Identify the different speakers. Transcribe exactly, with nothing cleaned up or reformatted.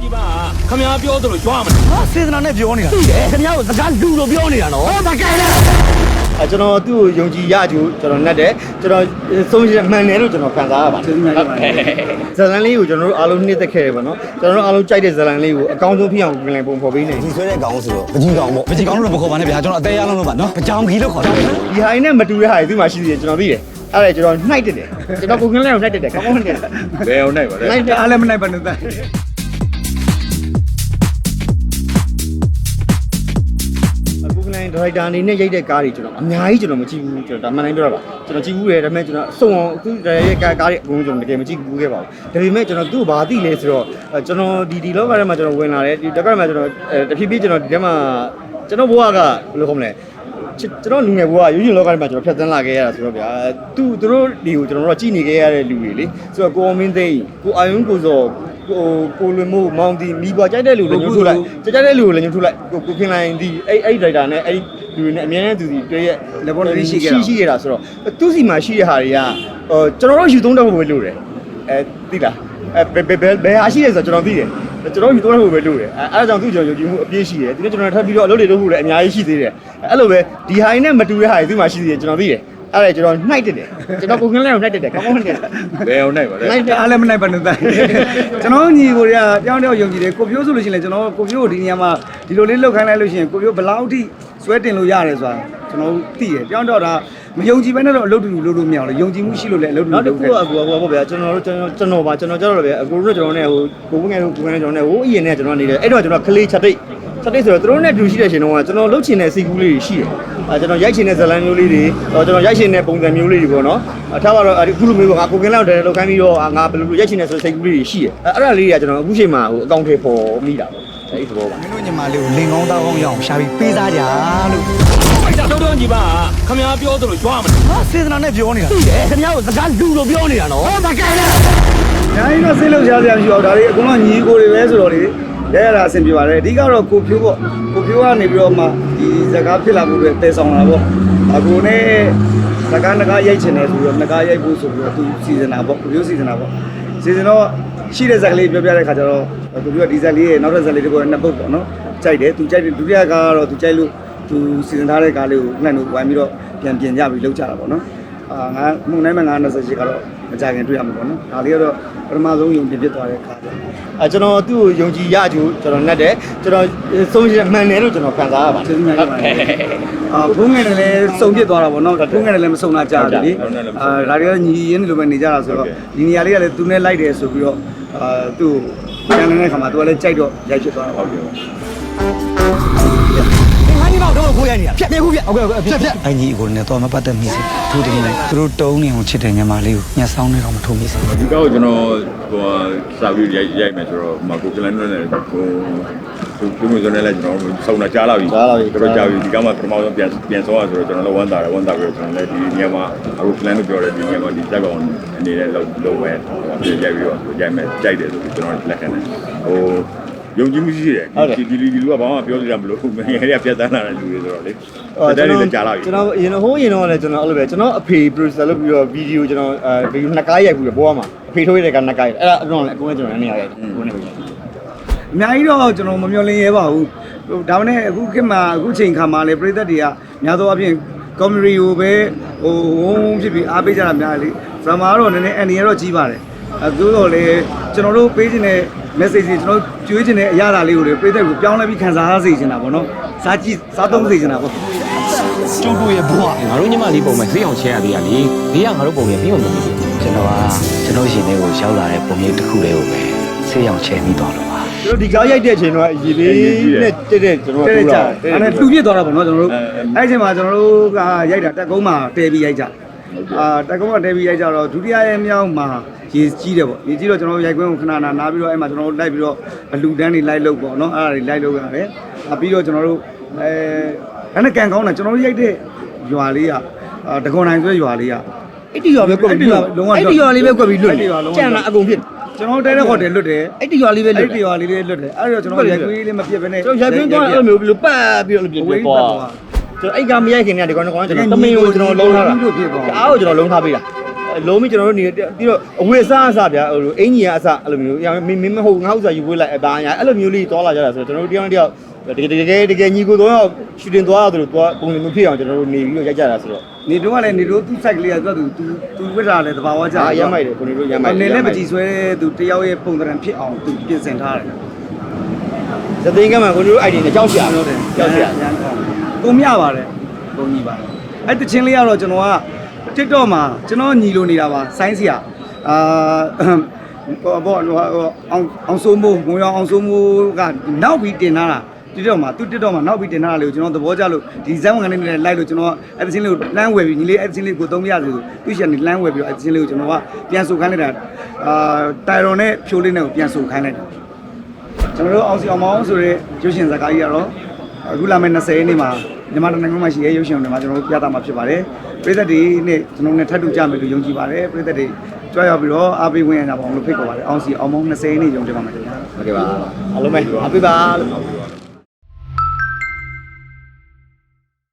Speaker 1: ကြီးပါခမများပြောသလိုကြွားမလား
Speaker 2: ဟာစေတနာနဲ့ပြောနေတာသိတယ်ခင်ဗျားတို့စကားလူလိုပြောနေတာနော်ဟောမကဲလဲ
Speaker 3: အဲကျွန်တော်သူ့ကိုယုံကြည်ရကြကျွန်တော်နဲ့တယ်ကျွန်တော်ဆုံးဖြတ်မှန်တယ်လို့ကျွန်တော်ခံစားရပါတယ်ဇလန်လေးကိုကျွန်တော်တို့အားလုံးနှိမ့်သက်ခဲ့တယ်ပေါ့နော်ကျွန်တော်တို့အားလုံးကြိုက်တဲ့ဇလန်လေးကိုအကောင်းဆုံးဖြစ်အောင်ပြင်လည်ပုံဖော်ပေးနေ
Speaker 2: ဒီဆွဲတဲ့ကောင်ဆိုတော့ပကြီးကောင်ပေါ့ပကြီးကောင်လို့မခေါ်ပါနဲ့ဗျာကျွန်တော်အသေးရလုံးလို့ပါနော်ပကြောင်ကြီးလို့ခေါ်တာ
Speaker 3: ဒီဟာရင်းနဲ့မတူတဲ့ဟာတွေဒီမှာရှိသေးတယ်ကျွန်တော်သိတယ်အဲ့ဒါကျွန်တော်နှိုက်တက်တယ်ကျွန်တော်ကိုခင်းလေးကိုနှိုက်တက်တယ်ကောင်းကောင်းနှိုက်တယ်
Speaker 1: ဘယ်အောင်နှိုက်ပါလဲ
Speaker 2: နှိုက်တယ်အားလည်းမနှိုက်ပါနဲ့တဲ့
Speaker 3: ဒရိုက်တာအနေနဲ့ရိုက်တဲ့ကားတွေကျွန်တော်အများကြီးကျွန်တော်မကြည့်ဘူးကျွန်တော်ဒါမှန်တိုင်းပြောတာပါကျွန်တော်ကြည့်ဘူးတယ်ဒါပေမဲ့ကျွန်တော်အစုံအောင်သူဒရိုက်ရဲ့ကားကားတွေအကုန်ကျွန်တော်တကယ်မကြည့်ဘူးခဲ့ပါဘူးဒါပေမဲ့ကျွန်တော်သူ့ကိုဘာသိလဲဆိုတော့ကျွန်တော်ဒီဒီလောကထဲမှာကျွန်တော်ဝင်လာတယ်ဒီတက်ကမှာကျွန်တော်တဖြည်းဖြည်းကျွန်တော်ဒီထဲမှာကျွန်တော်ဘဝကဘယ်လိုခေါ်မလဲကျွန်တော်လူငယ်ဘဝရုပ်ရှင်လောကထဲမှာကျွန်တော်ဖြတ်သန်းလာခဲ့ရတာဆိုတော့ဗျာသူသူတို့ဒီကိုကျွန်တော်တို့ကြည့်နေခဲ့ရတဲ့လူတွေလေဆိုတော့ကိုအောင်မင်းသိန်းကိုအာယုံကိုစောကိုကိုလွင်မို့မောင်တီမိဘကြိုက်တဲ့လူလည်းညှို့ထုတ်လိုက်ကြိုက်တဲ့လူကိုလည်းညှို့ထုတ်လိုက်ကိုကိုခင်လိုင်းဒီအဲ့အဲ့ဒရိုက်တာနဲ့အဲ့လူတွေနဲ့အများနဲ့သူစီတွေ့ရဲ့
Speaker 2: laboratory ရှိခဲ့တာ
Speaker 3: ရှိခဲ့တာဆိုတော့သူစီမှာရှိတဲ့ဟာတွေကဟိုကျွန်တော်တို့ယူသုံးတော့ဖို့ပဲလုပ်တယ်အဲသိလားအဲဘယ်ဘယ်ဘယ်ဟာရှိရဲဆိုတော့ကျွန်တော်သိတယ်ကျွန်တော်ယူသုံးတော့ဖို့ပဲလုပ်တယ်အဲအဲ့ဒါကြောင့်သူကျွန်တော်ယုံကြည်မှုအပြည့်ရှိတယ်ဒီနေ့ကျွန်တော်ထပ်ပြီးတော့အလုပ်တွေလုပ်ဖို့လည်းအများကြီးရှိသေးတယ်အဲ့လိုပဲဒီဟာနဲ့မတူတဲ့ဟာတွေသူမှာရှိသေးတယ်ကျွန်တော်သိတယ်အဲ့ဒါကျွန်တော်နှိုက်တက်တယ်ကျွန်တော်ကိုခင်းလေးကိုနှိုက်တက်တယ်ကောင်းကောင်းနှိုက်တယ်
Speaker 1: ဘယ်အောင်နှိုက်ပါလဲ
Speaker 2: နှိုက်တယ်အားလည်းမနှိုက်ပါနဲ့တဲ့ကျွန်တော်ညီကိုတွေကတယောက်တယောက်ယုံကြည်တယ်ကိုပြိုးဆိုလို့ရှိရင်လည်းကျွန်တော်ကိုပြိုးကိုဒီနေရာမှာဒီလိုလေးလှုပ်ခိုင်းလိုက်လို့ရှိရင်ကိုပြိုးဘယ်လောက်ထိဆွဲတင်လို့ရတယ်ဆိုတာကျွန်တော်သိတယ်တယောက်တော့ဒါမယုံကြည်ဘဲနဲ့တော့အလုပ်တူလုပ်လို့မရဘူးလေယုံကြည်မှုရှိလို့လည်းအလုပ်တူလုပ်ခဲ့
Speaker 3: နောက်တစ်ခုကဟိုဟိုဗျာကျွန်တော်တို့ကျွန်တော်ကျွန်တော်ပါကျွန်တော်ကြတော့ဗျာအကိုတို့ကျွန်တော်နဲ့ဟိုကိုဝင်းငယ်တို့ကိုဝင်းငယ်ကျွန်တော်နဲ့ဟိုအရင်နဲ့ကျွန်တော်နေတယ်အဲ့တော့ကျွန်တော်ကလေးချက်တိတ်ချက်တိတ်ဆိုတော့သူတို့နဲ့တူရှိတဲ့ရှင်တော့ကျွန်တော်လှုပ်ချင်တဲ့စိတ်ကူးလေးတွေရှိတယ်အဲကျွန်တော်ရိုက်ချင်တဲ့ဇလန်မျိုးလေးတွေကျွန်တော်ရိုက်ချင်တဲ့ပုံစံမျိုးလေးတွေပေါ့နော်အထားပါတော့အခုလိုမျိုးကငါကိုကင်းလောက်တယ်လောက်ခိုင်းပြီးတော့ငါဘယ်လိုလိုရိုက်ချင်တဲ့ဆိုစိတ်ကူးလေးတွေရှိတယ်အဲအဲ့ဒါလေးတွေကကျွန်တော်အခုချိန်မှာဟိုအကောင့်ထဲပေါ်မိတာပေါ့အဲ့ဒီသဘောပါ
Speaker 2: မင်းတို့ညီမလေးကိုလင်ကောင်းသားကောင်းရအောင်ရှာပြီးပေးစားကြလို့
Speaker 1: အဲ့ဒါတော့တော့ကြီးပါခမများပြောသလိုကြွားမလား
Speaker 2: ဟာစေတနာနဲ့ပြောနေတာသိတယ်ခင်ဗျားတို့စကားလူလိုပြောနေတာနော်ဟောမကဲလဲ
Speaker 3: ညာကြီးတော့စိတ်လုံးရှားစရာမရှိတော့ဒါလေးအကုန်လုံးညီကိုတွေပဲဆိုတော့လေလဲရတာအဆင်ပြေပါတယ်အဓိကတော့ကိုဖြိုးပေါ့ကိုဖြိုးကနေပြီးတော့မှဒီစကားဖြစ်လာမှုတွေတည်ဆောင်လာပေါ့အခုနဲ့စကားငကားရိုက်ချင်တယ်ဆိုပြီးတော့ငကားရိုက်ဖို့ဆိုပြီးတော့သူစီစဉ်တာပေါ့ကိုဖြိုးစီစဉ်တာပေါ့စီစဉ်တော့ရှိတဲ့ဇာတ်ကလေးပြောပြတဲ့ခါကျတော့ကိုဖြိုးကဒီဇာတ်လေးရဲ့နောက်ထပ်ဇာတ်လေးတွေကိုနှစ်ပုတ်ပေါ့နော်ကြိုက်တယ်သူကြိုက်တယ်ဒုတိယကားကတော့သူကြိုက်လို့သူစီစဉ်ထားတဲ့ကားလေးကိုနှံ့လို့ဝိုင်းပြီးတော့ပြန်ပြင်ကြပြီးလုပ်ကြတာပေါ့နော်အာငါမှုန်နိုင်မှာငါ၂၈ကတော့မကြခင်တွေ့ရမှာပေါ့နော်ဒါလေးကတော့ပထမဆုံးယုံကြည်ဖြစ်သွားတဲ့ခါပေါ့အဲကျွန်တော်သူ့ကိုယုံကြည်ရကြကျွန်တော်နဲ့တယ်ကျွန်တော်ဆုံးဖြတ်မှန်တယ်လို့ကျွန်တော်ခံစားရပါတယ်ကျေးဇူးများပါတယ်အာဘုန်းငယ်လည်းစုံဖြစ်သွားတာပေါ့နော်ဘုန်းငယ်လည်းမစုံတာကြားတယ်လေအာဒါတွေကညီရင်းလိုပဲနေကြတာဆိုတော့ဒီနေရာလေးကလည်းသူနဲ့လိုက်တယ်ဆိုပြီးတော့အာသူ့ကိုပြန်နေတဲ့ခါမှာသူကလည်းကြိုက်တော့ရိုက်ဖြစ်သွားတာပေါ့
Speaker 2: ဟုတ်ညီမတို့ကိုခိုးရနေတာဖြတ်ပြခုဖြတ်ဟုတ်ကဲ့ဟုတ်ကဲ့ဖြတ်ဖြတ်အညီကိုလည်းတော့မပတ်သက်မိစေထိုးတယ်လိုက်သူတို့တုံးနေအောင်ချစ်တဲ့ညီမလေးကိုညှက်ဆောင်နေတော့မထိုးမိစေ
Speaker 1: ဒီကောက်ကျွန်တော်ဟိုစာပြီးရိုက်ရိုက်မယ်ဆိုတော့မကိုကလန်နဲ့ဟိုသူသူမျိုးစနဲ့လည်းကျွန်တော်စုံတာကြားလာပြီ
Speaker 3: ကြားလာပြီ
Speaker 1: တော်တော်ကြားပြီဒီကမှပထမဆုံးပြန်ပြန်ဆုံးရဆိုတော့ကျွန်တော်လည်းဝမ်းသာတယ်ဝမ်းသာပြီးတော့ကျွန်တော်လည်းဒီညမှာအခုကလန်လို့ပြောတယ်ဒီညမှာဒီတက်ကောင်အနေနဲ့လောက်လောက်ပဲပြန်ရိုက်ပြီးတော့ရိုက်မယ်ကြိုက်တယ်ဆိုပြီးကျွန်တော်လက်ခံတယ်ဟိုယုံကြည်မှုရှိတယ်ဒီဒီဒီလူကဘာမှပြောစရာမလိုဘူးငယ်ငယ်လေးကပြတ်တန်းလာတဲ့လူတွေဆိုတော့လေ
Speaker 3: ကျွန်တော်ကျွန်တော်အရင်ဟိုးရင်တော့လည်းကျွန်တော်အဲ့လိုပဲကျွန်တော်အဖေ producer လုပ်ပြီးတော့ဗီဒီယိုကျွန်တော်အဲဗီဒီယိုနှစ်ကားရိုက်ပြီးတော့ပေါ်မှာအဖေထိုးရတဲ့ကနှစ်ကားအဲ့ဒါအကုန်လည်းအကုန်လည်းကျွန်တော်အနေနဲ့ရိုက်တယ်ကိုနေပဲအများကြီးတော့ကျွန်တော်မမျှော်လင့်ရဲပါဘူးဒါမှနဲ့အခုခေတ်မှာအခုချိန်ခါမှာလေပြည်သက်တွေကများသောအားဖြင့် comedy ကိုပဲဟိုဝုန်းဖြစ်ပြီးအားပေးကြတာများလေ drama ကတော့နည်းနည်းအန်ဒီကတော့ကြီးပါတယ်အဲသို့တော့လေကျွန်တော်တို့ပေးခြင်းတဲ့ message တွေကျွန်တော်ကျွေးခြင်းတဲ့အရာလေးကိုလေပြည်သက်ကိုပြောင်းလဲပြီးခံစားရစေချင်တာပေါ့နော်စားကြည့်စားသုံးစေချင်တာပေါ့
Speaker 2: ကျုပ်တို့ရဲ့ဘဝ
Speaker 4: ငါတို့ညီမလေးပုံမဲ့ဈေးအောင်ချဲရသေးရလေဈေးကငါတို့ပုံရဲ့ပြီးအောင်လုပ်နေတယ်
Speaker 2: ကျွန်တော်ကကျွန်တော်ရှင်တွေကိုရောက်လာတဲ့ပုံရိပ်တစ်ခုလေးကိုပဲဆေးအောင်ချဲပြီးသွားလို့ပါ
Speaker 3: ကျွန်တော်ဒီကားရိုက်တဲ့အချိန်တော့ရေလေးနဲ့တက်တဲ့ကျွန်တော်တို့လာအဲ့ဒါတူပြစ်သွားတာပေါ့နော်ကျွန်တော်တို့အဲ့အချိန်မှာကျွန်တော်တို့ကရိုက်တာတက်ကုန်းမှာတဲပြီးရိုက်ကြအာတက်ကုန်းမှာတဲပြီးရိုက်ကြတော့ဒုတိယရဲ့မြောက်မှာရေကြီးတယ်ပေါ့ရေကြီးတော့ကျွန်တော်တို့ရိုက်ခွင်းကိုခဏနာနားပြီးတော့အဲ့မှာကျွန်တော်တို့လိုက်ပြီးတော့အလူတန်းတွေလိုက်လုပ်ပေါ့နော်အဲ့ဒါတွေလိုက်လုပ်ရတယ်အပြီးတော့ကျွန်တော်တို့အဲအဲ့နဲ့ကန်ကောင်းတာကျွန်တော်တို့ရိုက်တဲ့ရွာလေးကတကွန်နိုင်ဆွဲရွာလေးကအဲ့ဒီရွာပဲကွက်ပြီးလုံးဝအဲ့ဒီရွာလေးပဲကွက်ပြီးလွတ်ကြံလာအကုန်ဖြစ်ကျွန်တော်တဲတဲ့ဟိုတယ်လွတ်တယ်အဲ့ဒီရွာလေးပဲလွတ်အဲ့ဒီရွာလေးလေးလွတ်တယ်အဲ့တော့ကျွန်တော်ရိုက်ခွင်းလေးမပြတ်ဘဲနဲ့ကျွန်တော်ရိုက်ခွင်းသွားအဲ့လိုမျိုးဘယ်လိုပတ်ပြီးတော့ပြပြသွားကျွန်တော်အဲ့ကမရိုက်ခင်ကဒီကောင်ကောင်ကျွန်တော်တမင်ကိုကျွန်တော်လုံးထားတာအားကိုကျွန်တော်လုံးထားပေးတာအဲလုံးမကျွန်တော်တို့နေပြီးတော့အဝေစားအစားဗျာဟိုအင်ကြီးကအစားအဲ့လိုမျိုးမင်းမင်းမဟုတ်ငါဥစားယူဝေးလိုက်အပါညာအဲ့လိုမျိုးလေးတွာလာကြတာဆိုတော့ကျွန်တော်တို့တယောက်တယောက်တကယ်တကယ်တကယ်ညီကိုတော့ရှူတင်သွားရတယ်လို့တွာပုံစံမျိုးဖြစ်အောင်ကျွန်တော်တို့နေပြီးတော့ရိုက်ကြတာဆိုတော့
Speaker 2: နေတော့ကလည်းနေတော့သူ့ site ကလေးကသူကသူသူဝိတာလည်းတဘာဝကြ
Speaker 3: အာရမိုက်တယ်ကိုနေတို့ရမိုက်
Speaker 2: နေလည်းမကြည့်ဆွဲသူတယောက်ရဲ့ပုံစံဖြစ်အောင်သူပြင်ဆင်ထားတယ်
Speaker 3: သသိန်းကမှကိုနေတို့ idea နဲ့ကြောက်ရှာတော့တယ်ကြောက်ရှာ
Speaker 2: ရမ်းကောင်းကိုမြပါတယ်ကိုညီပါအဲ့တချင်းလေးကတော့ကျွန်တော်က TikTok မှာကျွန်တော်ညီလိုနေတာပါဆိုင်းစရာအာဘောဘောအောင်အောင်စိုးမိုးငွေအောင်စိုးမိုးကနောက်ပြီးတင်ထားတာ TikTok မှာသူ TikTok မှာနောက်ပြီးတင်ထားတာလေကိုကျွန်တော်သဘောကျလို့ဒီဇိုင်းဝန်ကနေနဲ့လိုက်လို့ကျွန်တော်အဲ့တချင်းလေးကိုလမ်းဝယ်ပြီးညီလေးအဲ့တချင်းလေးကိုသုံးပြရစီဆိုသူရှင်နေလမ်းဝယ်ပြီးတော့အဲ့တချင်းလေးကိုကျွန်တော်ကပြန်ဆိုခိုင်းလိုက်တာအာတိုင်ရွန်နဲ့ဖြိုးလေးနဲ့ကိုပြန်ဆိုခိုင်းလိုက်တာကျွန်တော်တို့အောင်စီအောင်မောင်းဆိုရဲရုပ်ရှင်ဇာတ်ကားကြီးကတော့အခုလာမယ့်၂၀ရက်နေ့မှာမြန်မာနိုင်ငံမှာရှိတဲ့ရုပ်ရှင်တွေမှာကျွန်တော်တို့ပြသမှာဖြစ်ပါတယ်ပြည်သက်တွေနဲ့ကျွန်တော်နဲ့ထပ်တူကြမယ်လို့ယုံကြည်ပါတယ်ပြည်သက်တွေကြွားရောက်ပြီးတော့အားပေးဝင်ရတာပေါ့လို့ဖိတ်ခေါ်ပါတယ်အောင်စီအောင်မောင်း၂၀ရက်နေ့ယုံကြည်ပါမယ်ခင်ဗျာ
Speaker 3: ဟုတ်ကဲ့ပါအားလုံးပဲအားပေးပါလို့